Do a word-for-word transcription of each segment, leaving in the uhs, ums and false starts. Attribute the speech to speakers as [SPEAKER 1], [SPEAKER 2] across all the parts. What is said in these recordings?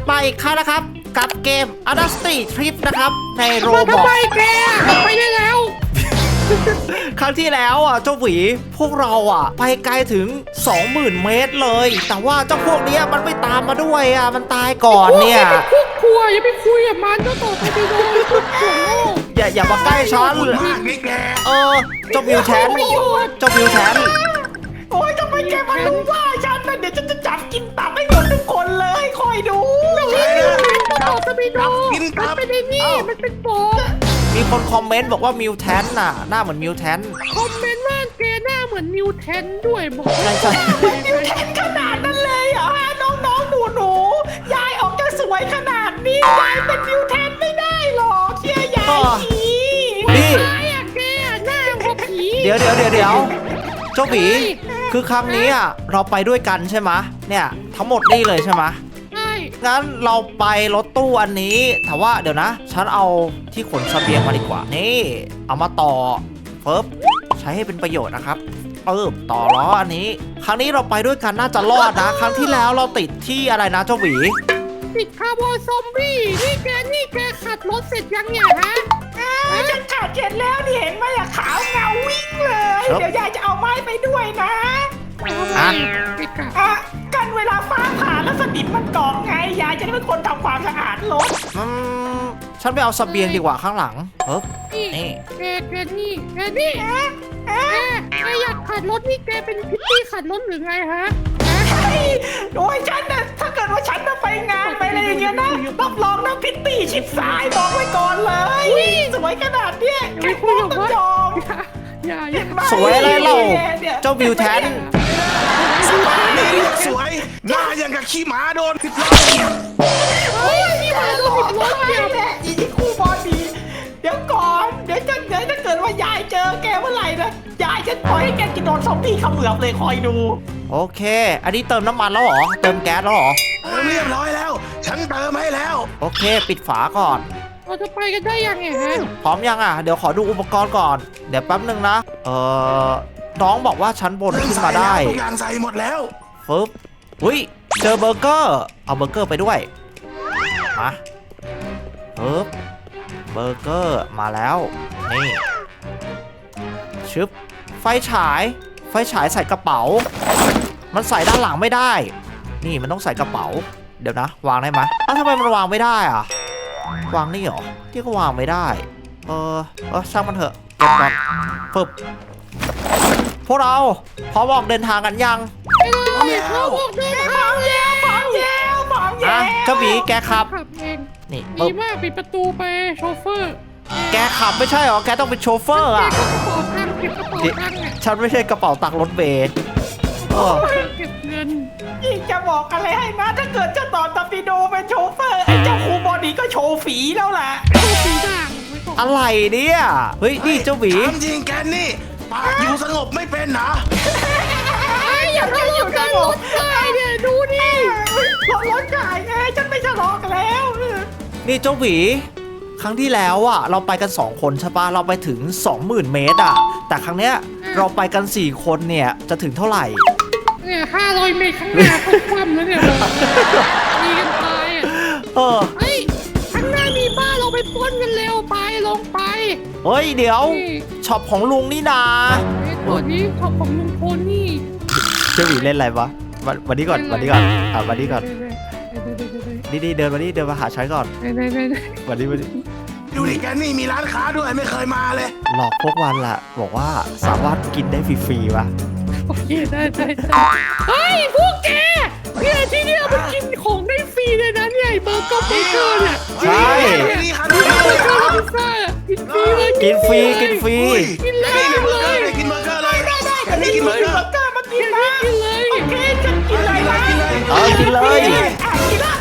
[SPEAKER 1] มาอีกครั้งนะครับกับเกม Adusty Trip นะครับในโรบอท
[SPEAKER 2] ทำไมแกไปได้แล้ว
[SPEAKER 1] ครั้งที่แล้วอ่ะเจ้าหวีพวกเราอ่ะไปไกลถึง สองหมื่น เมตรเลยแต่ว่าเจ้าพวกเนี้ยมันไม่ตามมาด้วยอ่ะมันตายก่อนเนี่ย
[SPEAKER 2] อย่าไปคุกคัวอย่าไปคุยกับมันก็ต่อไปโดนคุกคัว
[SPEAKER 1] อย่าอย่ามาใกล้ฉัน
[SPEAKER 3] มากนี่แก
[SPEAKER 1] เออเจ้าวิวแชนเจ้าวิวแชน
[SPEAKER 4] โอ้ยทำไมแกมารู้ว่าฉันน่ะเดี๋ยวฉันจะจับกินตับให้หมดทุกคนเลยคอยดู
[SPEAKER 2] ต่อไปโดนมันเป็นไอ้นี่มันเป็นโป๊ะ
[SPEAKER 1] มีคนคอมเมนต์บอกว่ามิวแทนน่ะหน้าเหมือนมิวแทน
[SPEAKER 2] คอมเมนต์ว่าแกหน้าเหมือนมิวแทนด้วยบอก
[SPEAKER 1] ใช่ใช่
[SPEAKER 4] มิวแทนขนาดนั้นเลยเหรอฮะน้องๆหนูๆยายออกจะสวยขนาดนี้ยายเป็นมิวแทนไม่ได้หรอกเชื่อยายที
[SPEAKER 1] นี่
[SPEAKER 2] ตายอ่ะแกหน้าหัวผี
[SPEAKER 1] เดี๋ยวเดี๋ยวเดี๋ยวเดี๋ยวเจ้าหวีคือครั้งนี้อ่ะเราไปด้วยกันใช่ไหมเนี่ยทั้งหมดนี่เลยใช่ไหม
[SPEAKER 2] ใช่
[SPEAKER 1] งั้นเราไปรถตู้อันนี้แต่ว่าเดี๋ยวนะ ฉันเอาที่ขนเสบียงมาดีกว่านี่เอามาต่อเฟิบใช้ให้เป็นประโยชน์นะครับเอิบต่อล้ออันนี้ ครั้งนี้เราไปด้วยกันน่าจะรอดนะ ครั้งที่แล้วเราติดที่อะไรนะเจ้าหวี
[SPEAKER 2] ติดคาร์บอนซอมบี้นี่แกนี่แกขัดรถเสร็จยังเนี่ยฮะ
[SPEAKER 4] ฉันขาดเจ็ดแล้วนี่เห็นไหมอะขาวเงาวิ่งเลยเดี๋ยวยายจะเอาไม้ไปด้วยนะ
[SPEAKER 1] อ่ะ
[SPEAKER 4] อ่ะกันเวลาฟ้าผ่าแล้วสนิมมันเกาะไงยายจะได้เป็นคนทำความสะอาดรถ
[SPEAKER 1] อืมฉันไปเอาเสบียงดีกว่าข้างหลังเฮ้ย
[SPEAKER 2] นี่
[SPEAKER 1] นี่
[SPEAKER 2] แกแกนี่แกนี่แกแกอยากขัดรถนี่แกเป็นพิตตี้ขัดรถหรือไงฮะ
[SPEAKER 4] โอ้ยฉันน่ะถ้าเกิดว่าฉันจะไปงานไปอะไรอย่างเงี้ยนะรับรองนะพิตตี้ชิดซ้ายบอกไว้ก่อนเลยสวยขนาดเนี้ยแค่พูดต้องจอง
[SPEAKER 2] อย่าอย่า
[SPEAKER 1] สวยอะไรเล่าเจ้าวิวแทน
[SPEAKER 3] นี่สวยหน้าอย่างกับขี้หมาโดนพิษล้อ
[SPEAKER 2] เฮ้ยนี่มาดูผิดรถ
[SPEAKER 4] เดี๋
[SPEAKER 2] เดี๋
[SPEAKER 4] ย
[SPEAKER 2] ยว ว
[SPEAKER 4] แหละอีกคู่บอดีเดี๋ยวก่อนเดี๋ยวจะเดี๋ยวถ้าเกิดว่ายายเจอแกเมื่อไหร่นะยายจะปล่อยให้แกกินโดนซอมบี้เขมือบเลยคอยดู
[SPEAKER 1] โอเค อันนี้เติมน้ำมันแล้วเหรอเติมแก๊สแล้วเหรอ
[SPEAKER 3] เออเรียบร้อยแล้ว ฉันเติมให้แล้ว
[SPEAKER 1] โอเค ปิดฝาก่อน
[SPEAKER 2] เราจะไปกันได้ยังไงฮะ
[SPEAKER 1] พร้อมยังอ่ะ เดี๋ยวขอดูอุปกรณ์ก่อน เดี๋ยวแป๊บหนึ่งนะ เออน้องบอกว่าชั้นบนขึ้นมาได้
[SPEAKER 3] ทุกอย่างใส่หมดแล้ว
[SPEAKER 1] ฟึบอุ้ย เจอเบอร์เกอร์ เอาเบอร์เกอร์ไปด้วย มาฟึบเบอร์เกอร์มาแล้ว นี่ ชึบ ไฟฉาย ไฟฉายใส่กระเป๋า มันใส่ด้านหลังไม่ได้ นี่มันต้องใส่กระเป๋า เดี๋ยวนะ วางได้ไหมอ้าวทำไมมันวางไม่ได้อ่ะ วางนี่เหรอ ที่ก็วางไม่ได้ เออ เออช่างมันเถอะ เก็บก่อนฟึบพวกเราพร้อมออกเดินทางกันยัง
[SPEAKER 2] ไปเลยเราบอกเดินทาง
[SPEAKER 4] แย่พร้อมแย่พร้อม
[SPEAKER 1] อ่ะ
[SPEAKER 4] แย่
[SPEAKER 1] เจ้าหมีแกขับ
[SPEAKER 2] ขับเอง
[SPEAKER 1] นี่
[SPEAKER 2] ดี
[SPEAKER 1] ปึ๊บ
[SPEAKER 2] มากปิดประตูไปโชเฟอร์
[SPEAKER 1] แกขับไม่ใช่เหรอ แกต้องเป็นโชเฟอร์อ่ะ
[SPEAKER 2] เก็บกระเป๋าตังค์เก็บกระเป๋าตังค์อ่ะ
[SPEAKER 1] ฉันไม่ใช่กระเป๋าตังค์รถเมล์เออ
[SPEAKER 2] เก็บเงิน
[SPEAKER 4] ยิ่งจะบอกอะไรให้นะถ้าเกิดเจ้าต่อตอร์ปิโดเป็นโชเฟอร์ไอ้เจ้าครูบอดีก็โชว์ฝีแล้วแหละ
[SPEAKER 2] โชว์สีด่างไว้ก่อน
[SPEAKER 1] อะไรเนี่ย เฮ้ย นี่เจ้าหมี
[SPEAKER 3] ถามจริงแกนี่ปากอยู่สงบไม่เป็นนะ
[SPEAKER 2] ไอ้อย่าทะเลาะกันรถไฟเนี่ยดูดิ
[SPEAKER 4] รถรถจ่ายไงฉันไม่ทะเลาะกันแล้ว
[SPEAKER 1] นี่เจ้าหมีครั้งที่แล้วอ่ะ เราไปกันสองคนใช่ปะเราไปถึง สองหมื่น เมตรอ่ะ แต่ครั้งเนี้ยเราไปกันสี่คนเนี่ยจะถึงเท่าไหร่
[SPEAKER 2] เนี่ยห้าร้อยเมตรข้างหน้าก็คว่ำแล้วเนี่ยมีกันตายอ่ะ
[SPEAKER 1] เออ
[SPEAKER 2] เฮ้ยข้างหน้ามีบ้านเราไปปล้นกันเร็วไปลงไป
[SPEAKER 1] เฮ้ย เดี๋ยว
[SPEAKER 2] นี่
[SPEAKER 1] ช็อปของลุงนี่นา
[SPEAKER 2] ไอ้ตัวนี้เขาของลุงพลนี่
[SPEAKER 1] เจ้าหมีเล่นอะไรวะวันวันนี้ก่อนวันนี้ก่อนอ่ะวันนี้ก่อน
[SPEAKER 2] เด้
[SPEAKER 1] นี่นี่เดินมานี่เดินมาหาฉันก่อน
[SPEAKER 2] เด้เด้เด้เด้
[SPEAKER 1] วันนี้วันนี้
[SPEAKER 3] ดูดิแกนี่มีร้านค้าด้วยไม่เคยมาเลย
[SPEAKER 1] หลอกพวกวันละบอกว่าสามารถกินได้ฟรีๆวะ
[SPEAKER 2] โอเคได้ได้ได้เฮ้ยพวกแกเนี่ยที่เนี่ยมันกินของได้ฟรีเลยนะเนี่ยไอ้เบอร์เกอร์เบอร์เกอร์เนี่ย
[SPEAKER 1] ใช่
[SPEAKER 3] นี่ครับ
[SPEAKER 2] เบอร์เกอร์พิซซ่ากินฟรีเลย
[SPEAKER 1] กินฟรีกินฟรี
[SPEAKER 2] กินเลย
[SPEAKER 3] นี่เบอร์เก
[SPEAKER 2] เล
[SPEAKER 3] อร์
[SPEAKER 2] ย
[SPEAKER 3] เลยกินเบอร์เกอร์เลยแก
[SPEAKER 4] นี่
[SPEAKER 3] นี่
[SPEAKER 4] กิ
[SPEAKER 3] กิ
[SPEAKER 4] น
[SPEAKER 3] น
[SPEAKER 4] เบ
[SPEAKER 3] เบ
[SPEAKER 4] อ
[SPEAKER 3] อ
[SPEAKER 4] ร์
[SPEAKER 3] ร์
[SPEAKER 4] เก
[SPEAKER 3] เก
[SPEAKER 4] อ
[SPEAKER 3] อร์
[SPEAKER 4] ร์มากินนะ
[SPEAKER 2] กินเลย
[SPEAKER 4] โอเคฉันกินเลยนะ
[SPEAKER 3] กินเลย
[SPEAKER 1] เออกินเลย
[SPEAKER 4] อ่ะกินละ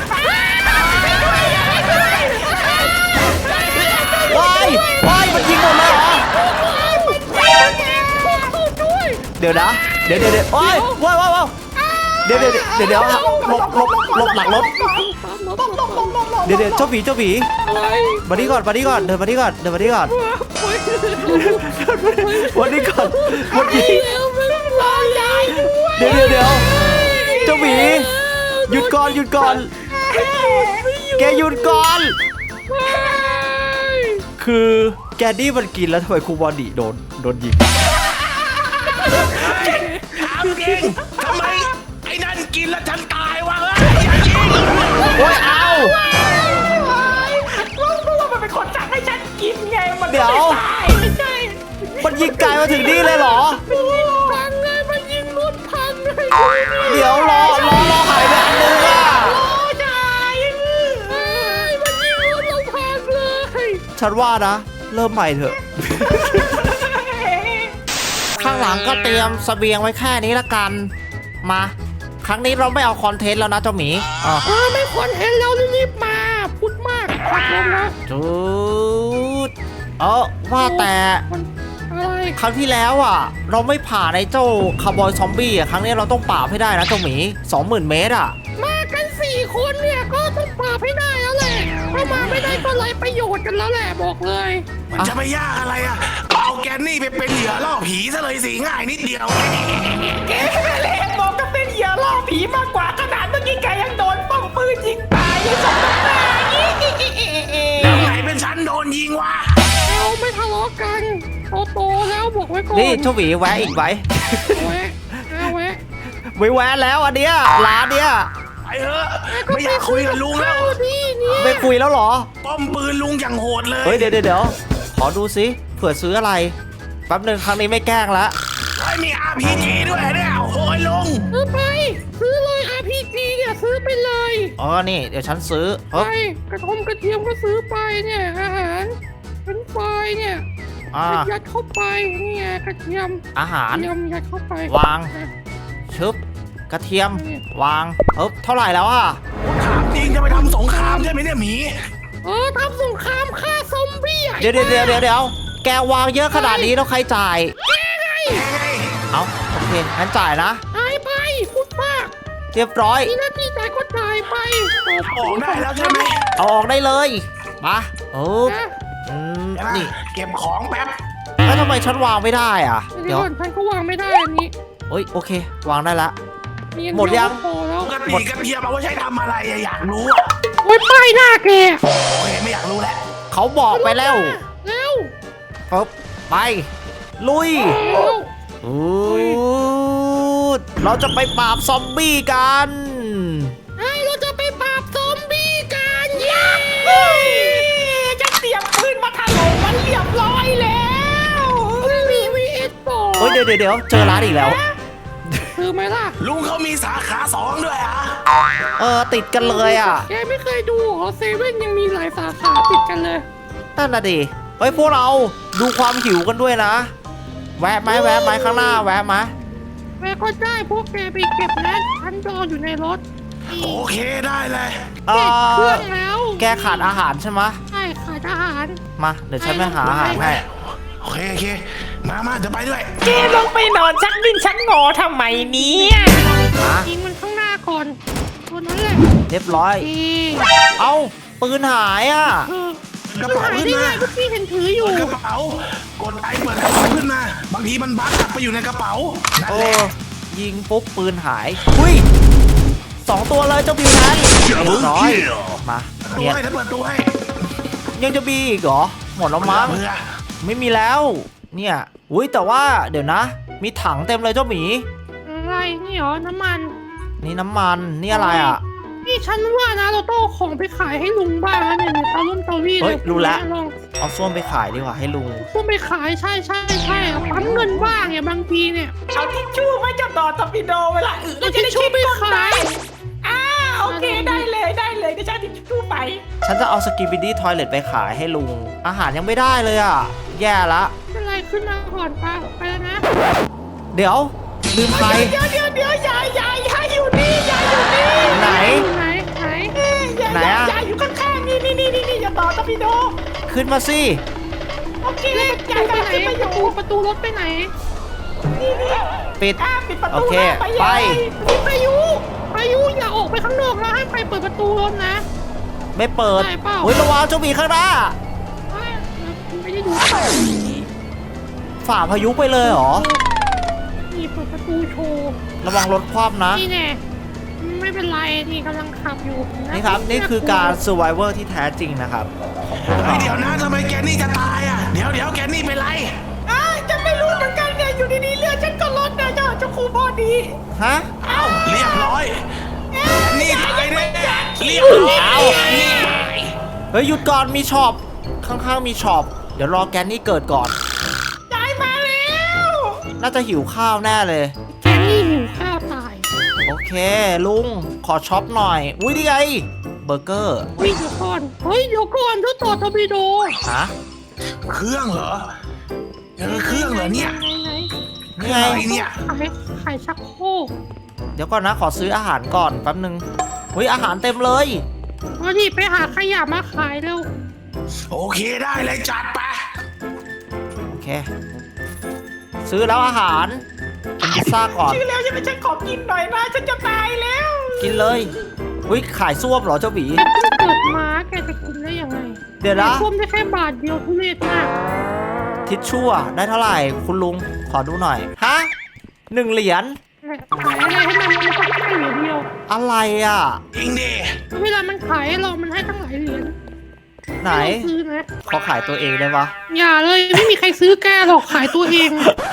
[SPEAKER 1] ว้ายว้ายมันยิงหมดเลยเหรอ
[SPEAKER 2] ด้วย
[SPEAKER 1] เดี๋ยวนะ เดี๋ยวเดี๋ยวเดี๋ยวว้ายว้ายว้ายว้ายเดี๋ยวเดี๋ยวเดี๋ยวเดี๋ยวหลบหลบหลบหลังรถ
[SPEAKER 4] ต้องต้องต้องต้องต้อง
[SPEAKER 1] เดี๋ยวเดี๋ยวเจ้าหมีเจ้าหมี
[SPEAKER 2] อะไร
[SPEAKER 1] มานี่ก่อนมานี่ก่อนเดินมานี่ก่อนเดินมานี่ก่อนวันนี้ก่อนวันนี้
[SPEAKER 2] แล้วไม่รอยายด้วย
[SPEAKER 1] เดี๋ยวเดี๋ยวเดี๋ยวเจ้าหมีหยุดก่อนหยุดก่อนแกหยุดก่อนคือแกนี่มันกินแล้วทำไมครูบอดี้โดนโดนยิง
[SPEAKER 3] ถามจริงทำไมไอ้นั่นกินแล้วฉันตายวะเฮ้ยอย่ายิง
[SPEAKER 1] โอ้ยเอา
[SPEAKER 4] เพราะว่ามันเป็นคนสั่งให้ฉันกินไงมัน
[SPEAKER 1] เดี๋ยว
[SPEAKER 4] ตายไม่ใช่
[SPEAKER 1] มันยิงไกลมาถึงนี่เลยเหรอ
[SPEAKER 2] พังเลยมันยิงรถพังเลย
[SPEAKER 1] เดี๋ยวรอรอรอหายไปอันนึงอ่ะ
[SPEAKER 4] โอ้ยาย
[SPEAKER 2] เอ้ยมันยิงรถเราพังเลย
[SPEAKER 1] ฉันว่านะ เริ่มใหม่เถอะ ข้างหลังก็เตรียมเสบียงไว้แค่นี้ละกัน มา ครั้งนี้เราไม่เอาคอนเทนต์แล้วนะเจ้าหมีอ่ะ
[SPEAKER 2] เออไม่ควรเห็นเรารีบๆมาพูดมากขับลงนะ
[SPEAKER 1] จุดเออว่าแต่
[SPEAKER 2] มันอะไร
[SPEAKER 1] ครั้งที่แล้วอ่ะ เราไม่ผ่านไอ้เจ้าคาร์บอยซอมบี้อ่ะครั้งนี้เราต้องปราบให้ได้นะเจ้าหมีสองหมื่นเมตรอ่ะ
[SPEAKER 2] มากันสี่คนเนี่ยก็ต้องปราบให้ได้แล้วแหละถ้ามาไม่ได้ก็ไรประโยชน์กันแล้วแหละบอกเลย
[SPEAKER 3] มันจะไม่ยากอะไรอ่ะเอาแกนนี่ไปเป็นเหยื่อล่อผีซะเลยสิง่ายนิดเดียว
[SPEAKER 4] แกเล่นบอกจะเป็นเหยื่อล่อผีมากกว่าขนาดเมื่อกี้แกยังโดนป้อมปืนยิงตายยังสองน้ำตา
[SPEAKER 3] แล้วไหนเป็นฉันโดนยิงวะ
[SPEAKER 2] เราไม่ทะเลาะกันโตโตๆแล้วบอกไว้ก่อน
[SPEAKER 1] นี่เจ้าหมีแวะอีกไหม
[SPEAKER 2] แวะเอาแวะ
[SPEAKER 1] ไม่แวะแล้วอันเนี้ยร้านเนี้ย
[SPEAKER 3] ไปเถอะไม่อยากคุยกับลุงแล้ว
[SPEAKER 2] เอาดิเนี่ย
[SPEAKER 1] ไม่คุยแล้วเหรอ
[SPEAKER 3] ป้อมปืนลุงอย่างโหดเลย
[SPEAKER 1] เฮ้ยเดี๋ยวเดี๋ยวเดี๋ยวขอดูสิเผื่อซื้ออะไรแป๊บหนึ่งครั้งนี้ไม่แกล้งละ
[SPEAKER 3] ไอ้ยมี อาร์ พี จี ด้วยเนี่ยโอ้โหลุง
[SPEAKER 2] ซื้อไปซื้อเลย อาร์ พี จี เนี่ยซื้อไปเลย
[SPEAKER 1] อ๋อนี่เดี๋ยวฉันซื้อ
[SPEAKER 2] ไป
[SPEAKER 1] เฮ้ย
[SPEAKER 2] กระทงกระเทียมก็ซื้อไปเนี่ยอาหารเป็นไฟเนี่ย
[SPEAKER 1] อ่า
[SPEAKER 2] ยัดเข้าไปเนี่ยกระเทียม
[SPEAKER 1] อาหาร
[SPEAKER 2] กระเทียมยัดเข้าไป
[SPEAKER 1] วาง ชึบกระเทียม วางเอ๊บเท่าไหร่แล้วอ่ะ
[SPEAKER 3] ถามจริงจะไปทำสงครามใช่ไหมเนี่ยหมี
[SPEAKER 2] เออทำสงครามฆ่าซอมบี้อ่ะ
[SPEAKER 1] เดี๋ยวเดี๋ยวเดี๋ยวเดี๋ยวเดี๋ยวแกวางเยอะขนาดนี้แล้วใครจ่าย เอาโอเคงั้นจ่ายนะ
[SPEAKER 2] หายไปพูดมาก
[SPEAKER 1] เรียบร้อย
[SPEAKER 2] มีหน้าที่จ่ายก็จ่ายไป
[SPEAKER 3] ออกได้แล้วใช่ไหม
[SPEAKER 1] เอาออกได้เลยมาโอ้บ
[SPEAKER 2] นะ
[SPEAKER 1] อืม
[SPEAKER 3] เดี๋ยวนะ
[SPEAKER 1] นี่
[SPEAKER 3] เก็บของแป๊บ
[SPEAKER 1] แล้วทำไมฉันวางไม่ได้อ่ะ
[SPEAKER 2] เดี๋
[SPEAKER 1] เดี๋
[SPEAKER 2] ย
[SPEAKER 1] ยว ว
[SPEAKER 2] ก่อนฉันก็วางไม่ได้อันนี้
[SPEAKER 1] เฮ้ยโอเค วางได้ละ
[SPEAKER 2] มีอัน
[SPEAKER 1] หมดยัง
[SPEAKER 2] เวก็พอแล้ว
[SPEAKER 3] ปกติกระเทียมเอาไว้ใช้ทำอะไรอะอยากรู้อะ
[SPEAKER 2] โอ้ยป้ายหน้าแก
[SPEAKER 3] โอเคไม่อยากรู้แล้ว
[SPEAKER 1] เขาบอกไปแล้ว
[SPEAKER 2] เร็ว
[SPEAKER 1] ปึ๊บไป ลุย
[SPEAKER 2] เร็ว
[SPEAKER 1] อูดเราจะไปปราบซอมบี้กัน
[SPEAKER 2] ไอ้เราจะไปปราบซอมบี้กันเย้
[SPEAKER 4] จะเตรียมปืนมาถล่มมันเรียบร้อยแล้ว
[SPEAKER 2] มีวีเอสต่อ
[SPEAKER 1] เฮ้ยเดี๋ยวเดี๋ยวเดี๋ยวเจอร้านอีกแล้ว
[SPEAKER 2] คือไหมล่ะ
[SPEAKER 3] ลุงเขามีสาขาสองด้วยอะ
[SPEAKER 1] เออติดกันเลยอ่ะ
[SPEAKER 2] แกไม่เคยดูเหรอเซเว่นยังมีหลายสาขาติดกันเลย
[SPEAKER 1] นั่นน่ะดิเฮ้ยพวกเราดูความหิวกันด้วยนะ แวะไหมแวะไหมข้างหน้าแวะไหม
[SPEAKER 2] แม่ก็ได้พวกแกไปเก็บนะฉันรออยู่ในรถ
[SPEAKER 3] โอเคได้เลย
[SPEAKER 1] เอ
[SPEAKER 2] เก็บเครื่
[SPEAKER 1] อ
[SPEAKER 2] องแล้ว
[SPEAKER 1] แกขาดอาหารใช่ไหม
[SPEAKER 2] ใช่ขาดอาหาร
[SPEAKER 1] มาเดี๋ยวฉันไปหาอาหารให้
[SPEAKER 3] โอเคโอเคมามาจะไปด้วย
[SPEAKER 4] แกลงไปนอนชักดิ้นชักงอทำไมเนี่ย
[SPEAKER 1] มา
[SPEAKER 2] ยิงมันข้างหน้าก่อนตัวนั้นแหละ
[SPEAKER 1] เรียบร้อย
[SPEAKER 2] ดี
[SPEAKER 1] เอ้าปืนหายอ่ะ
[SPEAKER 2] เออก
[SPEAKER 3] ระเป๋า
[SPEAKER 2] หาย
[SPEAKER 3] ขึ้น
[SPEAKER 2] ได้ไง
[SPEAKER 3] มา
[SPEAKER 2] เมื่อกี้เห็นถืออยู่
[SPEAKER 3] เปิดกระเป๋ากดไอเปิดกระเป๋าขึ้นมา บางทีมันบั๊กกลับไปอยู่ในกระเป๋านั่น
[SPEAKER 1] โอ้
[SPEAKER 3] แหละ
[SPEAKER 1] ยิงปุ๊บปืนหายอุ้ยสองตัวเลยเจ้าบิวนั้นเรียบร้อยมา
[SPEAKER 3] ตัว
[SPEAKER 1] เนี่ย
[SPEAKER 3] ให้ถ้าเปิดตัวให้
[SPEAKER 1] ยังจะมีอีกเหรอหมดแล้วมั้ง
[SPEAKER 3] เบื่อ
[SPEAKER 1] ไม่มีแล้ว เนี่ยอุ้ยแต่ว่าเดี๋ยวนะ มีถังเต็มเลยเจ้าหมี
[SPEAKER 2] อะไรนี่เหรอน้ำมัน
[SPEAKER 1] นี่น้ำมันนี่อะไรอ่ะ
[SPEAKER 2] นี่ฉันว่านะเราต้องเอาของไปขายให้ลุงบ้างนะเนี่ยเนี่ยเตาลุ่มเตารี่
[SPEAKER 1] เฮ้ยรู้แล้ว
[SPEAKER 2] ลอง
[SPEAKER 1] เอาส้วมไปขายดีกว่าให้ลุง
[SPEAKER 2] พวกไปขายใช่ใช่ใช่เอาปั๊มเงินบ้างเนี่ยบางทีเนี่ย
[SPEAKER 4] เอาทิชชู่ไว้เจ้าต่อตอร์ปิโดเวลาอึแล้วจะได้
[SPEAKER 2] เอาทิชชู่ไปขาย
[SPEAKER 4] อ่าโอเคได้เลยได้เลยเดี๋ยวฉันเอาทิชชู่ไป
[SPEAKER 1] ฉันจะเอาสกิบิดี้ทอยเลตไปขายให้ลุง อาหารยังไม่ได้เลยอ่ะ แย่ละ
[SPEAKER 2] เป็นไรขึ้นมาก่อนปะไปแล้วนะ
[SPEAKER 1] เดี๋ยวลืมใคร
[SPEAKER 4] เดี๋ยวเดี๋ยวเดี๋ยวยายยายยายอยู่นี่ยายอยู่นี่
[SPEAKER 1] ไหน
[SPEAKER 2] ไหนไหน
[SPEAKER 4] ยาย
[SPEAKER 1] ไหนอะ
[SPEAKER 4] ยายอยู่ข้างๆนี่นี่นี่นี่อย่าต่อตอร์ปิโด
[SPEAKER 1] ขึ้นมาสิ
[SPEAKER 4] โอเค
[SPEAKER 2] เลข
[SPEAKER 4] ยาย
[SPEAKER 2] ไป
[SPEAKER 4] กำลัง
[SPEAKER 2] ไหน
[SPEAKER 4] ขึ้นมาอ
[SPEAKER 2] ประ
[SPEAKER 4] ยู่
[SPEAKER 2] ตูประตูรถไปไหน
[SPEAKER 4] นี่นี่
[SPEAKER 1] ปิด
[SPEAKER 4] อ่าปิดประ
[SPEAKER 1] โอ
[SPEAKER 4] ตู
[SPEAKER 1] เค
[SPEAKER 4] แล้ว
[SPEAKER 1] ไป
[SPEAKER 4] ยาย
[SPEAKER 2] นี่พายุพายุอย่าออกไปข้างนอกนะให้ไปเปิดประตูรถนะ
[SPEAKER 1] ไม่เปิด
[SPEAKER 2] ได้เปล่า
[SPEAKER 1] เฮ้ยระวังเจ้าหมีข้างหน้า
[SPEAKER 2] ไม่ได้ดู
[SPEAKER 1] ฝ่าพายุไปเลยเหรอ
[SPEAKER 2] นี่เปิดประตูโชว์
[SPEAKER 1] ระวังรถคว่ำนะ
[SPEAKER 2] นี่แน่ไม่เป็นไรนี่กำลังขับอยู่ะ
[SPEAKER 1] นี่ครับนี่คือการ survivor ที่แท้จริงนะครับของพวก
[SPEAKER 3] เฮ้ย
[SPEAKER 1] เรา
[SPEAKER 3] เดี๋ยวนะทำไมแกนี่จะตายอ่ะ เดี๋ยวเดี๋ยวแกนี่เป็นไร
[SPEAKER 4] อ้าวฉันไม่รู้เหมือนกันเนี่ยอยู่ดีๆเลือดฉันก็ลดนะเจ้าเจ้าครูพอดี
[SPEAKER 1] ฮะ
[SPEAKER 3] เอ้าเรียบร้อยแกนี่ตายแน่เรียบร้อย
[SPEAKER 1] เอ้า
[SPEAKER 3] นี่ตาย
[SPEAKER 1] เฮ้ยหยุดก่อนมีช็อปข้างๆมีช็อปเดี๋ยวรอแกนนี่เกิดก่อน
[SPEAKER 4] ตายมาแล้ว
[SPEAKER 1] น่าจะหิวข้าวแน่เลย
[SPEAKER 2] แกนี่หิวข้าวตาย
[SPEAKER 1] โอเคลุงขอช็อปหน่อย อุ้ยนี่ไงเบอร์เกอร์
[SPEAKER 2] เฮ้ยเดี๋ยวก่อนเฮ้ยเดี๋ยวก่อนเจ้าต่อทบิโด
[SPEAKER 1] ฮะ
[SPEAKER 3] เครื่องเหรอเจอเครื่องเหรอเนี่ย
[SPEAKER 2] ไหน
[SPEAKER 1] นี่ไง
[SPEAKER 3] อะไรเนี่ย
[SPEAKER 2] ๆขายขายชักโครก
[SPEAKER 1] เดี๋ยวก่อนนะขอซื้ออาหารก่อนแป๊บนึงเฮ้ยอาหารเต็มเลย
[SPEAKER 2] มาดิไปหาขยะมาขายเร็ว
[SPEAKER 3] โอเคได้เลยจัดไป
[SPEAKER 1] โอเค ซื้อแล้วอาหารกินพิซซ่าก่อน
[SPEAKER 4] ชื่อแล้วใช่ไหมฉันขอกินหน่อยนะฉันจะตายแล้ว
[SPEAKER 1] กินเลยอุ้ยขายส้วมเหรอเจ้าหวี
[SPEAKER 2] เกิดมาแกจะกินได้ยังไง
[SPEAKER 1] เดี๋ยวนะ
[SPEAKER 2] ท่วมได้แค่บาทเดียวทุเรศมาก
[SPEAKER 1] ทิชชู่อะได้เท่าไหร่คุณลุงขอดูหน่อยฮะหนึ่งเหรียญ
[SPEAKER 2] ขายอะไรให้มันมันก็ให้เหรียญเดียว
[SPEAKER 1] อะไรอ่ะ
[SPEAKER 3] จริงดิ
[SPEAKER 2] เวลามันขายให้เรามันให้ตั้งหลายเหรียญ
[SPEAKER 1] ไหน
[SPEAKER 2] ให้เราซื้อนะ
[SPEAKER 1] เขาขายตัวเองได้ปะ
[SPEAKER 2] อย่าเลยไม่มีใครซื้อแกหรอกขายตัวเอง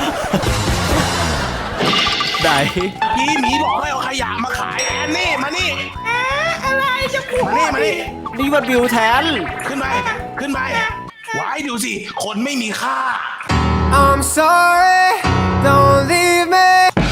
[SPEAKER 1] ไหน
[SPEAKER 3] พี่หมีบอกให้เอาขยะมาขายแอนนี่มานี่
[SPEAKER 4] เอ๊ะอะไรจะปวด
[SPEAKER 3] มานี่มานี่
[SPEAKER 1] นี่มันบิวแทน
[SPEAKER 3] ขึ้นไปขึ้นไปไว้ดูสิคนไม่มีค่า
[SPEAKER 5] I'm sorry, don't leave me.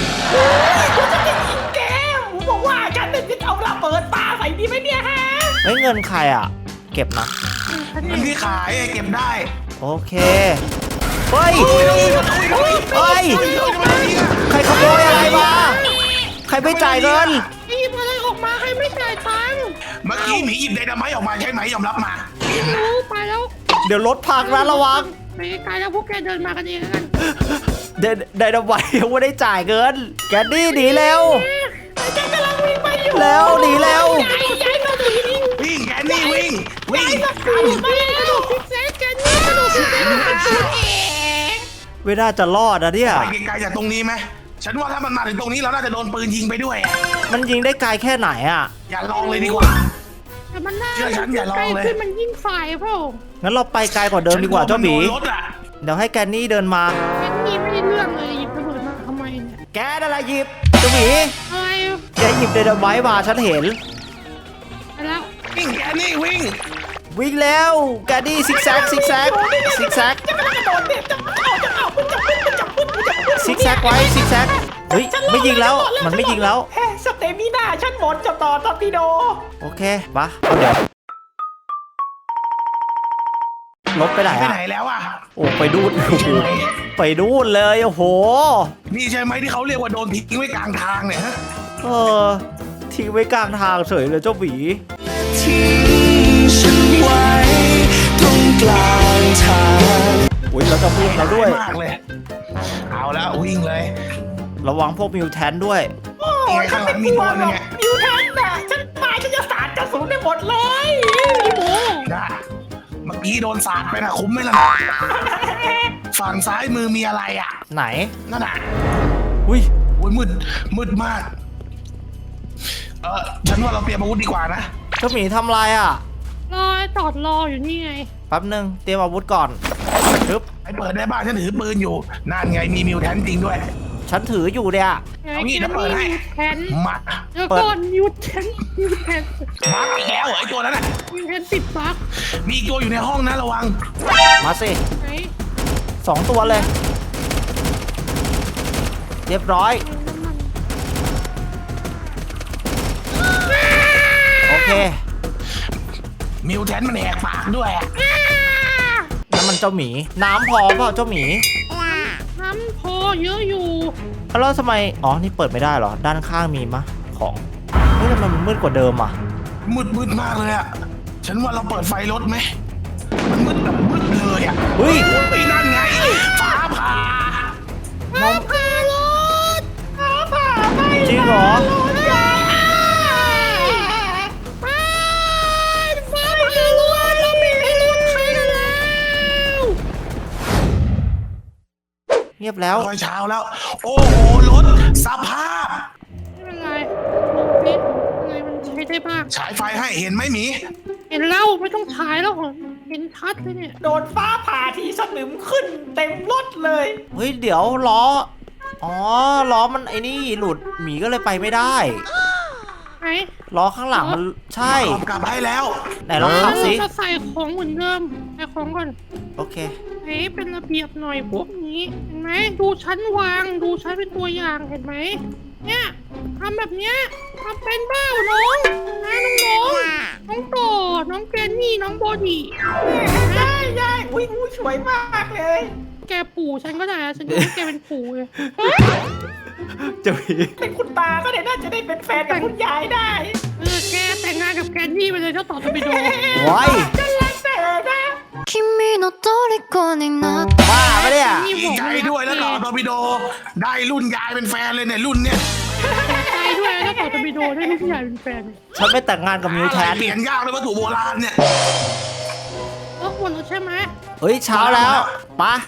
[SPEAKER 4] แกผมบอกว่าฉันจะเอาระเบิดปาใส่ดีไหมเนี่ยฮะ
[SPEAKER 1] เฮ้ยเงินใครอ่ะ เก็บนะ
[SPEAKER 3] เงินที่ขายเก็บได้
[SPEAKER 1] โอเค เฮ้ย เฮ้ย ใครขโมยอะไรมา ใครไม่จ่ายเงิน
[SPEAKER 2] หยิบอะไรออกมาให้ไม่จ่ายตังค์
[SPEAKER 3] เมื่อกี้หมีหยิบไดนาไมต์ออกมาใช่ไหมยอมรับมา
[SPEAKER 2] รู้ไปแล้ว
[SPEAKER 1] เดี๋ยวรถพังนะระวัง
[SPEAKER 2] ไปไกลแล้วพวกแกเดินมากันเองแล้วกัน
[SPEAKER 1] เดนไดนาไมต์ยังไม่ได้จ่ายเงิน แกนดี้หนีเร็ว
[SPEAKER 4] ฉันกำลังวิ่งไปอยู่
[SPEAKER 1] เร็วหนีเร็ว
[SPEAKER 2] ย้ายย้ายมาดูนี่
[SPEAKER 3] วิ่งแกนี่วิ่งวิ่ง
[SPEAKER 2] กระโดดมาแล้วกระโดดพิกเซสกันนี่กระโดดพิกเซสกันตัวเอง
[SPEAKER 1] ไม่น่าจะรอดนะเนี่ย
[SPEAKER 3] ไปไกลๆจากตรงนี้ไหมฉันว่าถ้ามันมาถึงตรงนี้เราน่าจะโดนปืนยิงไปด้วย
[SPEAKER 1] มันยิงได้ไกลแค่ไหนอ่ะ
[SPEAKER 3] อย่าลองเลยดีกว่า
[SPEAKER 2] แต่มันน่า
[SPEAKER 3] เชื่อฉันอย่าลอง
[SPEAKER 2] ใกล้
[SPEAKER 3] เลย
[SPEAKER 2] ขึ้นมันยิ่งฝ่ายเปล่า
[SPEAKER 1] งั้นเราไปไกลกว่าเดิมดีกว่าเจ้าหมี
[SPEAKER 3] ฉันลัวมันโดนรถอ่ะ
[SPEAKER 1] เดี๋ยวให้แกนนี่เดินมา
[SPEAKER 2] แค่นี้ไม่ได้เรื่องเลยหยิบระเบิดมาทำไมเนี่ย
[SPEAKER 1] แกนั่นแหละหยิบเจ้าหมี
[SPEAKER 2] อะไร
[SPEAKER 1] แกหยิบไดนาไมต์มาฉันเห็น
[SPEAKER 2] ไปแล้ว
[SPEAKER 3] วิ่งแกนี่วิ่ง
[SPEAKER 1] วิ่งแล้วแกนนี่ซิกแซกซิกแซกซิกแซก
[SPEAKER 4] จะกระโดดเนี่ยจะเอาจะเอามันจะพุ่งมันจะพุ่งมันจะพุ่ง
[SPEAKER 1] ซิกแซกไว้ซิกแซกเฮ้ยไม่ยิงแล้วมันไม่ยิงแล้ว
[SPEAKER 4] เฮ้สเตมิน่าฉันหมดจะต่อตอร์ปิโด
[SPEAKER 1] โอเคปะเอาเดี๋ยวรถไปไหน
[SPEAKER 3] ไป
[SPEAKER 1] อะ
[SPEAKER 3] ไหนแล้วอ่ะ
[SPEAKER 1] โอ้ไปดูนโอ้โหไปดูนเลยโอ้โห
[SPEAKER 3] นี่ใช่ไหมที่เขาเรียกว่าโดนทิ้งไว้กลางทางเนี่ยฮะ
[SPEAKER 1] เออทิ้งไว้กลางทางเฉยเลยเจ้าหวี
[SPEAKER 5] ทิ้งฉันไว้ตรงกลางทาง
[SPEAKER 1] อุ้ยเราจะพุ่งแล้วด้วย
[SPEAKER 3] มากเลย เอาแล้ววิ่งเลย
[SPEAKER 1] ระวังพวกมิวแทนด้วย
[SPEAKER 4] โอ้ฉันไม่กลัวหรอกมิวแทนน่ะฉันมาฉันจะสาดกระสุนได้หมดเลย
[SPEAKER 2] พี่โม
[SPEAKER 3] นะเมื่อกี้โดนสาดไปนะคุ้มไหมล่ะฝั่งซ้ายมือมีอะไรอ่ะ
[SPEAKER 1] ไหน
[SPEAKER 3] นั่นน่ะ
[SPEAKER 1] อุ้ย
[SPEAKER 3] อุ้ยมืดมืดมาก เออฉันว่าเราเตรียมอาวุธดีกว่านะ
[SPEAKER 1] เจ้าหมีทำอะไรอ่ะ
[SPEAKER 2] รอจอดรออยู่นี่ไง
[SPEAKER 1] แป๊บหนึงเตรียมอาวุธก่อนปึ๊บ
[SPEAKER 3] ไอ้เปิดได้บ้างฉันถือปืนอยู่นั่นไงมีมิวแทนจริงด้วย
[SPEAKER 1] ฉันถืออยู่เนี่ย
[SPEAKER 2] ไง
[SPEAKER 3] เอางี้
[SPEAKER 2] แก
[SPEAKER 3] เดี๋ยวเปิดให้
[SPEAKER 2] มีแทน
[SPEAKER 3] มา
[SPEAKER 2] เดี๋ยวก่อนยูแทนยูแทน
[SPEAKER 3] มาอีกแล้วเหรอไอ้ตัวนั้นน่ะ
[SPEAKER 2] ยูแทนสิบบัก
[SPEAKER 3] มีอีกตัวอยู่ในห้องนะระวัง
[SPEAKER 1] มาสิ
[SPEAKER 2] ไหน
[SPEAKER 1] สองตัวเลย เรียบร้อย โอเค
[SPEAKER 3] มิวแทนมันแหกปากด้วยอะ
[SPEAKER 1] นั่นมันเจ้าหมี น้ำพอเปล่าเจ้าหมี
[SPEAKER 2] น้ำพอเยอะอยู่
[SPEAKER 1] แล้วทำไม อ๋อ นี่เปิดไม่ได้เหรอ ด้านข้างมีมะ ของ เฮ้ยทำไมมันมืดกว่าเดิมอ่ะ
[SPEAKER 3] มืดมืดมากเลยอะฉันว่าเราเปิดไฟรถไหมมันมืดแบบมืดเลยอะ
[SPEAKER 1] เฮ้ย
[SPEAKER 3] ไอ้นั่นไงฟ้าผ่า
[SPEAKER 1] มอง
[SPEAKER 2] พารถ
[SPEAKER 4] ฟ้าผ่าไป
[SPEAKER 1] จริงเหรอ
[SPEAKER 2] ไปฟ้าพารถเราไม่ให้รถใครกันแล้ว
[SPEAKER 1] เงียบแล้ว
[SPEAKER 3] ค่อยเช้าแล้ว โอ้โหรถสภาพ
[SPEAKER 2] ไม่เป็นไรลงฟิตได้บ้าง
[SPEAKER 3] ฉายไฟให้เห็นไหมหมี
[SPEAKER 2] เห็นแล้วไม่ต้องฉายแล้วเหรอเห็นชัดเลยเนี่ย
[SPEAKER 4] โดนฟ้าผ่าทีสนิมขึ้นเต็มรถเลย
[SPEAKER 1] เฮ้ยเดี๋ยวล้ออ๋อล้อมันไอ้นี่หลุดหมีก็เลยไปไม่ได้
[SPEAKER 2] ไหน
[SPEAKER 1] ล้อข้างหลังมันใช่
[SPEAKER 3] ขับกลับให้แล้ว
[SPEAKER 1] ไหนลองขับสิ
[SPEAKER 2] เราจะใส่ของเหมือนเดิมใส่ของก่อน
[SPEAKER 1] โอเค
[SPEAKER 2] ไหนเป็นระเบียบหน่อยพวกนี้เห็นไหมดูชั้นวางดูชั้นเป็นตัวอย่างเห็นไหมเนี่ยทำแบบเนี้ยทำเป็นบ้าน้องนะน้องน้องน้องโตน้องแกนนี่น้องบอดี้
[SPEAKER 4] ได้ได้อุ้ยอุ้ยสวยมากเลย
[SPEAKER 2] แกปู่ฉันก็ได้อะฉันจะให้แกเป็นปู่เลย
[SPEAKER 1] จะมี
[SPEAKER 4] เป็นคุณตาก็ได้น่าจะได้เป็นแฟนกับคุณยายได้
[SPEAKER 2] เออแกแต่งงานกับแกนนี่ไปเลยเจ้าต่อจะไปดู
[SPEAKER 1] ไว้
[SPEAKER 4] จะรักเธอนะ
[SPEAKER 6] 君の虜になって
[SPEAKER 1] บ้าปะเนี่ย
[SPEAKER 3] ดีใจด้วยแล้วต่อโดบิโด ได้รุ่นยายเป็นแฟนเลยเนี่ยรุ่นเนี้ย
[SPEAKER 2] ใจด้วยเจ้าต่อจะไปดูได้ลูกผู้ใหญ่เป็นแฟน
[SPEAKER 1] ฉันไม่แต่งงานกับมิวแทน
[SPEAKER 3] เปลี่ยนยากเลยวัตถุโบราณเนี่ย
[SPEAKER 2] เออหมดแล้วใช่ไหม
[SPEAKER 1] เฮ้ยเช้าแล้วปะ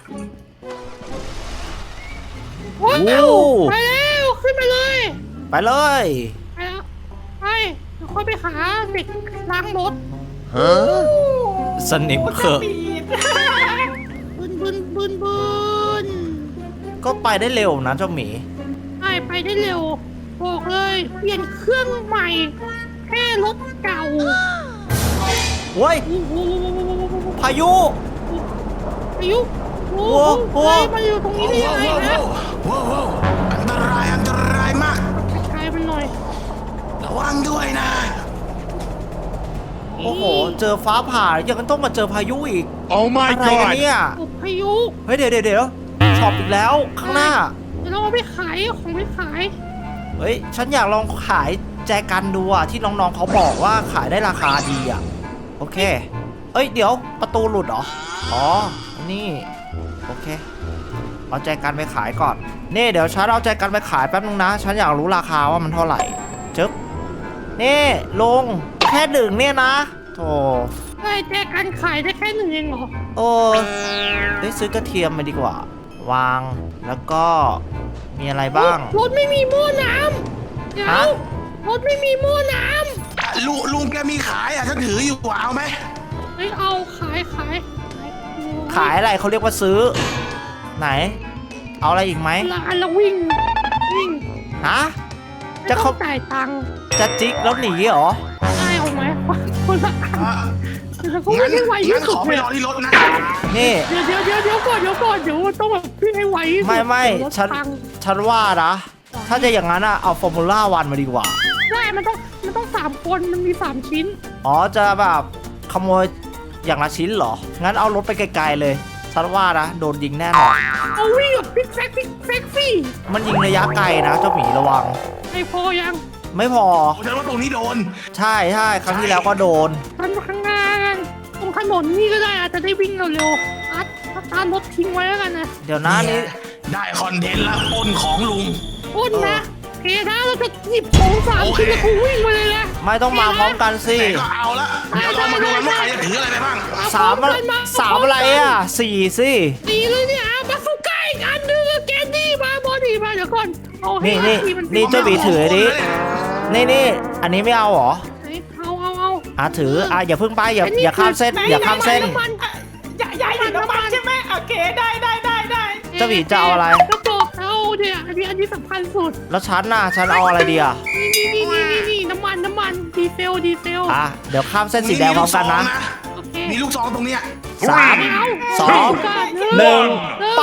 [SPEAKER 2] โอ้ย
[SPEAKER 1] โอ้
[SPEAKER 2] ไปแล้วขึ้นไปเลย
[SPEAKER 1] ไปเลย
[SPEAKER 2] ไปแล้วไปเดี๋ยวค่อยไปหาเด็กล้างรถ
[SPEAKER 1] สนิมเขอะ
[SPEAKER 4] ปีด
[SPEAKER 2] บึนบึนบึนบึน
[SPEAKER 1] ก็ไปได้เร็วนะเจ้าหมี
[SPEAKER 2] ไปไปได้เร็ว บอกเลย เปลี่ยนเครื่องใหม่ แค่รถเก่า
[SPEAKER 1] เว้ย
[SPEAKER 2] โอ้โห
[SPEAKER 1] พายุ
[SPEAKER 2] อายุโอ้
[SPEAKER 1] โอ้
[SPEAKER 2] โห
[SPEAKER 1] โห
[SPEAKER 2] เฮ้ยมาอยู่ตรงนี้ได้
[SPEAKER 3] ว้า
[SPEAKER 2] ยัง
[SPEAKER 3] ว
[SPEAKER 2] ไง
[SPEAKER 3] ว้าว
[SPEAKER 2] นะ
[SPEAKER 3] ว้าวว้าวอันตรายอันตรายมาก
[SPEAKER 2] ใช้มันหน่อย
[SPEAKER 3] ระวังด้วยนะ
[SPEAKER 1] โอ้โห เจอฟ้าผ่ายังต้องมาเจอพายุอีก
[SPEAKER 7] Oh my
[SPEAKER 1] อะไรกัน
[SPEAKER 7] god!
[SPEAKER 1] เนี่ย
[SPEAKER 2] โอ้พายุ
[SPEAKER 1] เฮ้ยเดี๋ยวเดี๋ยวเดี๋ยวช็อปอีกแล้วข้างหน้า
[SPEAKER 2] เดี๋ยวเราเอาไปขายเอาของไปขาย
[SPEAKER 1] เฮ้ย ฉันอยากลองขายแจกันดูอะที่น้องๆเขาบอกว่าขายได้ราคาดีอะโอเค เอ้ย เดี๋ยวประตูหลุดเหรอ อ๋อ นี่ โอเค เอาแจกันไปขายก่อน นี่เดี๋ยวฉันเอาแจกันไปขายแป๊บนึงนะ ฉันอยากรู้ราคาว่ามันเท่าไหร่จึ๊บนี่ลุงแค่ดึงเนี่ยนะโธ่
[SPEAKER 2] ได้แจกันขายได้แค่หนึ่งเองเหรอ
[SPEAKER 1] โอ้ได้ยซื้อกระเทียมมาดีกว่า วาง แล้วก็มีอะไรบ้าง
[SPEAKER 2] รถไม่มีหม้อน้ำเดี๋ยว
[SPEAKER 1] ฮะ
[SPEAKER 2] รถไม่มีหม้อน้
[SPEAKER 3] ลุงลุงแกมีขายอ่ะฉันถืออยู่อ่ะเอาไหม
[SPEAKER 2] ำเฮ้ยเอาขายขายขาย
[SPEAKER 1] ขายอะไรเขาเรียกว่าซื้อ ไหน เอาอะไรอีกไหม
[SPEAKER 2] ละอันละวิ่งวิ่ง
[SPEAKER 1] ฮะ
[SPEAKER 2] ไม่
[SPEAKER 1] จะ
[SPEAKER 2] ต้
[SPEAKER 1] เขา
[SPEAKER 2] องจ่ายตังค์
[SPEAKER 1] จะจิกแล้วหนีเหรอ
[SPEAKER 2] ได้เอาไหมคนละอัน
[SPEAKER 3] อ่ะ
[SPEAKER 2] เดี๋ยวเขา
[SPEAKER 3] งั้
[SPEAKER 2] วิ่
[SPEAKER 3] น
[SPEAKER 2] งให้ไวที่
[SPEAKER 3] งั้น
[SPEAKER 2] สุ
[SPEAKER 3] ข
[SPEAKER 2] ด
[SPEAKER 3] อไป
[SPEAKER 2] เลย
[SPEAKER 3] รอที่รถนะ
[SPEAKER 1] นี่
[SPEAKER 2] เดี๋ยวเดี๋ยวเดี๋ยวเดี๋ยวก่อนเดี๋ยวก่อนเดี๋ยวต้องแบบวิ่งให้ไวที่สุด
[SPEAKER 1] ไม่ไม่
[SPEAKER 2] เดี๋ยวรถ
[SPEAKER 1] ฉัน
[SPEAKER 2] พัง
[SPEAKER 1] ฉันว่านะ ถ้าจะอย่างนั้นอะเอาฟอร์มูล่าวันมาดีกว่า
[SPEAKER 2] ได้มันต้องมันต้องสามคนมันมีสามชิ้น
[SPEAKER 1] อ๋อ จะแบบขโมยอย่างละชิ้นเหรอ งั้นเอารถไปไกลๆเลย ฉันว่านะ โดนยิงแน่นอน
[SPEAKER 2] เอาวิ่งแบบพิกแซกพิกแซกซี่
[SPEAKER 1] มันยิงระยะไกลนะเจ้าหมีระวัง
[SPEAKER 2] ไอ้พอยัง
[SPEAKER 1] ไม่พอ
[SPEAKER 3] ฉันว่าตรงนี้โดน
[SPEAKER 1] ใช่ใช่ครั้งที่แล้วก็โดน
[SPEAKER 2] มันข้างหน้ากันตรงถนนนี่ก็ได้อาจจะได้วิ่งเร็วๆอัดอัดตามรถทิ้งไว้แล้วกันนะ
[SPEAKER 1] เดี๋ยวนะนี่
[SPEAKER 3] ได้คอนเทนต์ละปล้นของลุง
[SPEAKER 2] อ้นนะเฮ้นะเราจะหยิบของสามชิ้นแล้วกูวิ่งไปเลยนะ
[SPEAKER 1] ไม่ต้องมาพร้อมกันสิ
[SPEAKER 3] แต่ก็เอาละเดี๋ยวเรามาดูกันว่าใครจะถืออะไรไปบ้าง
[SPEAKER 1] สามอะสามอะไรอ่ะสี่สิ
[SPEAKER 2] ตีเลยเนี่ยอ่ะมาสุก้าอีกอันหนึงอะแกนดี้มาบอดี้มาเดี๋ยวก่อนเอาให้
[SPEAKER 1] นี่นี่
[SPEAKER 2] ทีมัน
[SPEAKER 1] นี่เจ้าหมีถือดินี่นี่อันนี้ไม่เอาเหรอ
[SPEAKER 2] เอาเอาเอา
[SPEAKER 1] อ่ะถืออ่ะอย่าเพิ่งไปอย่า
[SPEAKER 2] อันนี้
[SPEAKER 1] อย่าข้ามเส้น
[SPEAKER 2] คือ
[SPEAKER 1] อย่าข้ามเส้น
[SPEAKER 2] น้ำมัน
[SPEAKER 4] ยายยายอยู่น้ำมันใช่ไหมโอเคได้ได้ได้ได้
[SPEAKER 1] เจ้าหมีจะเอาอะไร
[SPEAKER 2] กระบอกเอาเนี่ยอันนี้อันนี้สำคัญสุด
[SPEAKER 1] แล้วฉันน่ะฉันเอาอะไรดีอ่ะ
[SPEAKER 2] นี่นี่นี่นี่นี่น้ำมันน้ำมันดีเซลดีเซล
[SPEAKER 1] อ่ะเดี๋ยวข้ามเส้นสีแดงพร้อมกันนะ
[SPEAKER 2] โอเค
[SPEAKER 3] มีลูกซองตรงเนี้ย
[SPEAKER 1] สาม
[SPEAKER 2] เอา
[SPEAKER 1] สอง
[SPEAKER 2] ห
[SPEAKER 1] หนึ่งไป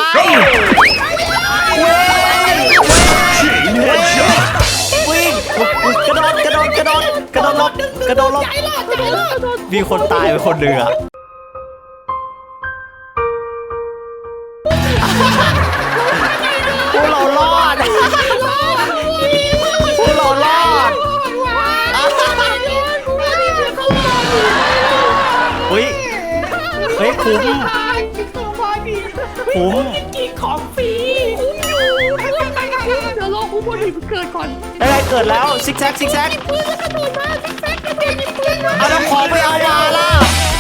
[SPEAKER 1] วิ่งวิ่งกระโดดกระโดดกระโดดกระโดดหลบกระโดดหลบ
[SPEAKER 2] ใจรอดใจรอด
[SPEAKER 1] มีคนตายไปคนหนึ่งอ่ะพวกเรารอดพวกเรารอดเฮ้ยเฮ้ยคุ้ม คุ้ม
[SPEAKER 4] กินของฟรี
[SPEAKER 2] เดี๋ยวรอคุณบอดี้เกิดก่อน
[SPEAKER 1] ได้เกิดแล้วซิกแซกซิกแซก
[SPEAKER 2] ปืนแล้วกระโดดมาซิกแซกกระโดดยิงปืนมา
[SPEAKER 1] เอาน้ำของไปเอามาล่ะ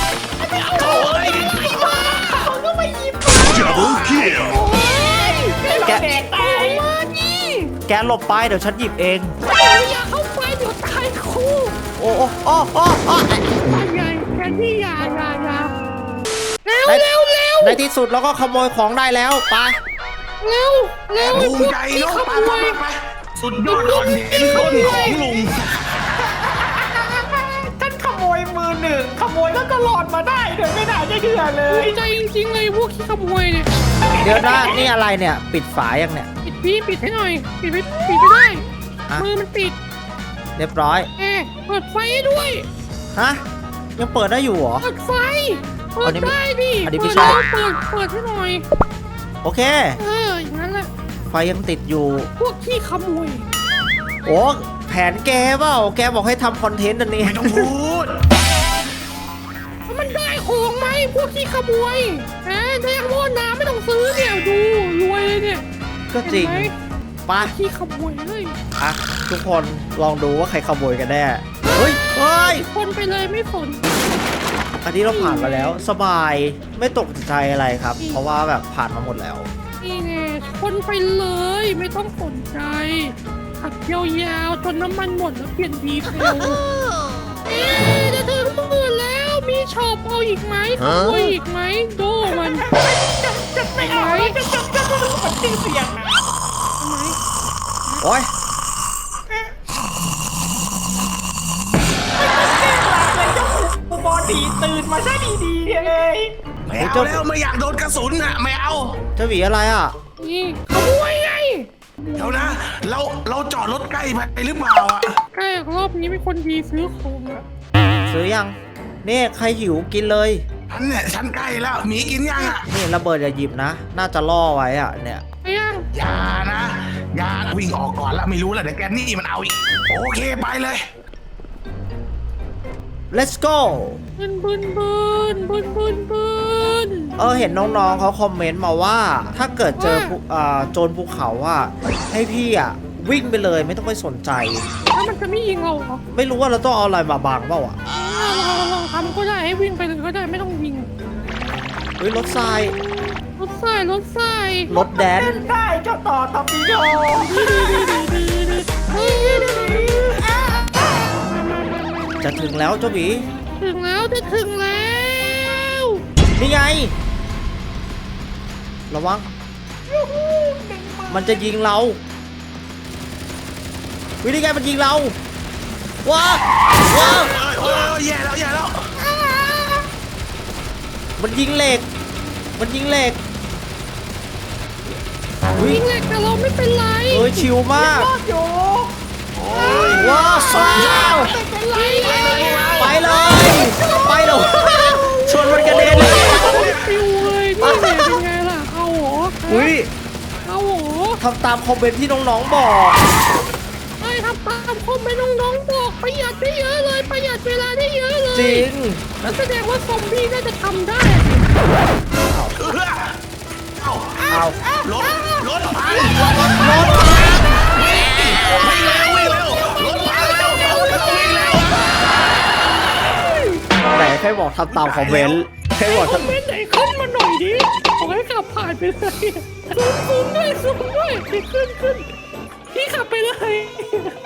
[SPEAKER 7] Double kill!
[SPEAKER 1] แก
[SPEAKER 2] แดกตายมาดิ
[SPEAKER 1] แกหลบไปเดี๋ยวฉันหยิบเอง
[SPEAKER 2] อย่าเข้าไปเดี๋ยวตายคู่
[SPEAKER 1] โอ้อ้โอ้โอ้โอ้โอ้
[SPEAKER 2] ใหญ่แค่ที่ยายายาเร็ว
[SPEAKER 1] ใน
[SPEAKER 2] เร็วเร็ว
[SPEAKER 1] ในที่สุดเราก็ขโมยของได้แล้วไป
[SPEAKER 2] เร็วเร็ว
[SPEAKER 3] ภูมิใจเนาะไปไปไปไปสุดยอดคอนเทนต์ต้นของลุง
[SPEAKER 4] ฉันขโมยมือหนึ่งขโมยแล้วก็หลอดมาได้โดยไม่น่าจะเชื่อเล
[SPEAKER 2] ภู
[SPEAKER 4] ย
[SPEAKER 2] มิใจจริงๆเลยพวกขี้ขโมยเนี่ย
[SPEAKER 1] เดี๋ยวนะนี่อะไรเนี่ย ปิดฝายังเนี่ย
[SPEAKER 2] ปิดพี่ปิดให้หน่อยปิดไม่ปิดไม่ได้
[SPEAKER 1] อ่ะ
[SPEAKER 2] มือมันปิด
[SPEAKER 1] เรียบร้อย
[SPEAKER 2] แอร์เปิดไฟให้ด้วย
[SPEAKER 1] ฮะยังเปิดได้อยู่เหรอ
[SPEAKER 2] เปิดไฟเปิ
[SPEAKER 1] อั
[SPEAKER 2] ด
[SPEAKER 1] นนี้ไม่
[SPEAKER 2] ได้ดิ
[SPEAKER 1] อันนี้ไม่
[SPEAKER 2] เปิด
[SPEAKER 1] ใช่
[SPEAKER 2] แล้วเปิดเปิดให้หน่อย
[SPEAKER 1] โอเค
[SPEAKER 2] เอออย่างนั้นแหละ
[SPEAKER 1] ไฟยังติดอยู่
[SPEAKER 2] พวกขี้ขโมย
[SPEAKER 1] โอ้แผนแกเปล่าแกบอกให้ทำคอนเทนต์อันนี้
[SPEAKER 3] ไม่ต้องพูด
[SPEAKER 2] แล้วมันได้ของไหมพวกขี้ขโมยแหมแดงโม่น้ำไม่ต้องซื้อเนี่ยดูรวยเลยเนี่ย
[SPEAKER 1] ก็จริง
[SPEAKER 2] เห็นไหม
[SPEAKER 1] ไป
[SPEAKER 2] ขี้ขโมยเลย
[SPEAKER 1] อ่ะทุกคนลองดูว่าใครขโมยกันแน่เฮ้ยเฮ้ย
[SPEAKER 2] คนไปเลยไม่สน
[SPEAKER 1] อันนี้เราผ่านมาแล้วสบายไม่ตกใจอะไรครับ เพราะว่าแบบผ่านมาหมดแล้ว
[SPEAKER 2] นี่แน่คนไปเลยไม่ต้องสนใจขับยาวๆจนน้ำมันหมดแล้วเปลี่ยนดีเซลเอ๊ะจะถึงหมื่นแล้วมีช็อปเอาอีกไหมขโมยอีกไหมโดมัน
[SPEAKER 4] จะจะไม่เอาแล้วจะจะจะจะมันชื่อเสียงนะ
[SPEAKER 1] โอ้ย
[SPEAKER 4] เลยเจ้าปูบอดีตื่นมาซะดีๆเลย
[SPEAKER 3] ไม่เอาแล้วไม่อยากโดนกระสุนอ่ะไม่เอา
[SPEAKER 1] เจ้าหวีอะไรอ่ะ
[SPEAKER 2] นี่ขโมยไง
[SPEAKER 3] เดี๋ยวนะ เราเราจอดรถใกล้ไปหรือเปล่าอ่ะ
[SPEAKER 2] แค่รอบนี้มีคนดีซื้อของอะ
[SPEAKER 1] ซื้อยังนี่ใครหิวกินเลย
[SPEAKER 3] ฉันเนี่ยฉันใกล้แล้วหมีกินยังอ่ะ
[SPEAKER 1] นี่ระเบิดอย่าหยิบนะ น่าจะล่อไว้อ่ะเนี่ย
[SPEAKER 2] ไปยัง
[SPEAKER 3] อย่านะอย่าวิ่งออกก่อนแล้วไม่รู้แล้วเดี๋ยวแกนี่มันเอาอีกโอเคไปเลย
[SPEAKER 1] let's go
[SPEAKER 2] บึนบึนบึนบึนบึนบึน
[SPEAKER 1] เออเห็นน้องๆเขาคอมเมนต์มาว่า ถ้าเกิดเจอภูอ่าโจรภูเขาอ่ะให้พี่อ่ะวิ่งไปเลยไม่ต้องไปสนใจ
[SPEAKER 2] แล้วมันจะไม่ยิงเราเหรอ
[SPEAKER 1] ไม่รู้ว่าเราต้องเอาอะไรมาบังเปล่าอ่ะ
[SPEAKER 2] อ่าลองลองทำก็ได้ให้วิ่งไปเลยก็ได้ไม่ต้องยิง
[SPEAKER 1] เฮ้ยรถทราย
[SPEAKER 2] รถไฟรถไฟ
[SPEAKER 1] รถแดน
[SPEAKER 4] เล่นได้เจ้าต่อตอปิโด
[SPEAKER 1] จะถึงแล้วเจ้าหวี
[SPEAKER 2] ถึงแล้วจะถึงแล้ว
[SPEAKER 1] นี่ไง ระวัง มันจะยิงเราวิธีไงมันยิงเราว้าวว้าว
[SPEAKER 3] เอ้ยเอ้ยเอ้ยแย่แล้วแย่แล้ว
[SPEAKER 1] มันยิงเหล็ก มันยิงเหล็กวิ
[SPEAKER 2] ยิงเหล็กแต่เราไม่เป็นไร
[SPEAKER 1] เอ้ยชิวมาก
[SPEAKER 4] รอดอยู่
[SPEAKER 1] ว้าวว้าว
[SPEAKER 2] ไม่เป็นไร
[SPEAKER 1] ไปเลย ไปเลยชนมันกระเด็นเลย
[SPEAKER 2] ปิวเลยนี่แหละเป็นไงล่ะเอาเหรอ
[SPEAKER 1] อุ้ย
[SPEAKER 2] เอาเหรอ
[SPEAKER 1] ทำตามคอมเมนต์ที่น้องๆบอก
[SPEAKER 2] ไอ้ทำตามคอมเมนต์น้องๆบอกประหยัดได้เยอะเลยประหยัดเวลาได้เยอะเลย
[SPEAKER 1] จริง
[SPEAKER 2] แล้วแสดงว่าซอมบี้น่าจะทำได้
[SPEAKER 3] เออเอ้า
[SPEAKER 1] เอา
[SPEAKER 3] รถรถพัง
[SPEAKER 1] รถ
[SPEAKER 3] วิ่งเร็ววิ่งเร็วรถพังเร็วเร็ววิ่งเร็ว
[SPEAKER 1] ไหนใครบอกทำตามคอมเมนต์ใครบอก
[SPEAKER 2] คอมเมนต์ไหนขึ้นมาหน่อยดิบอกให้ขับผ่านไปเลยซูมซูมด้วยซูมด้วยขึ้นขึ้นพี่ขับไปเลย